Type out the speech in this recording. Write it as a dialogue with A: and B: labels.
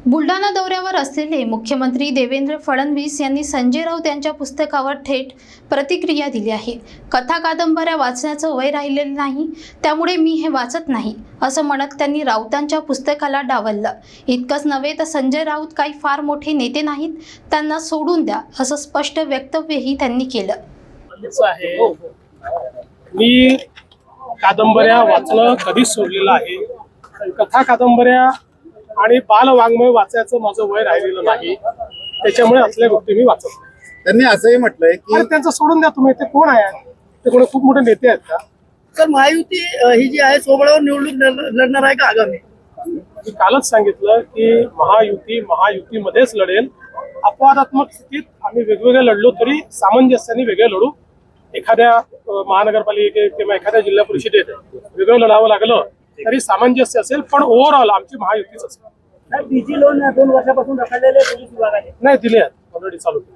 A: बुलढाणा दौऱ्यावर असलेले मुख्यमंत्री देवेंद्र फडणवीस यांनी संजय राऊत यांच्या पुस्तकावर थेट प्रतिक्रिया दिली आहे। कथा कादंबऱ्या वाचण्याचं वय राहिलेलं नाही, त्यामुळे मी हे वाचत नाही असं म्हणत त्यांनी राऊतांच्या पुस्तकाला डावललं। इतकंच नव्हे तर संजय राऊत काही फार मोठे नेते नाहीत, त्यांना सोडून द्या असं स्पष्ट वक्तव्यही त्यांनी केलं।
B: मी कादंबऱ्या वाचणं कधीच सोडलेलं आहे। कथा कादंबऱ्या आणि बालवाङ्मय वाचायचं माझं वय राहिलेलं नाही, त्याच्यामुळे असल्या गोष्टी मी वाचत नाही।
C: त्यांनी असंही म्हटलंय की
B: त्यांचं सोडून द्या तुम्ही, ते कोण आहे? ते कोणी खूप मोठे नेते आहेत का?
D: सर, महायुती ही जी आहे सोबळावर निवडणूक लढणार आहे का आगामी?
B: मी कालच सांगितलं की महायुतीमध्येच लढेल। अपवादात्मक स्थितीत आम्ही वेगवेगळे लढलो तरी सामंजस्याने वेगळे लढू। एखाद्या महानगरपालिकेत किंवा एखाद्या जिल्हा परिषदेत वेगळं लढावं लागलं तरी सामंजस्य असेल, पण ओव्हरऑल आमची महायुतीच असेल।
D: डीजी लोन 2 वर्षापासून रखडलेले पोलीस विभागाने
B: नाही दिले आहेत, ऑलरेडी चालू केले।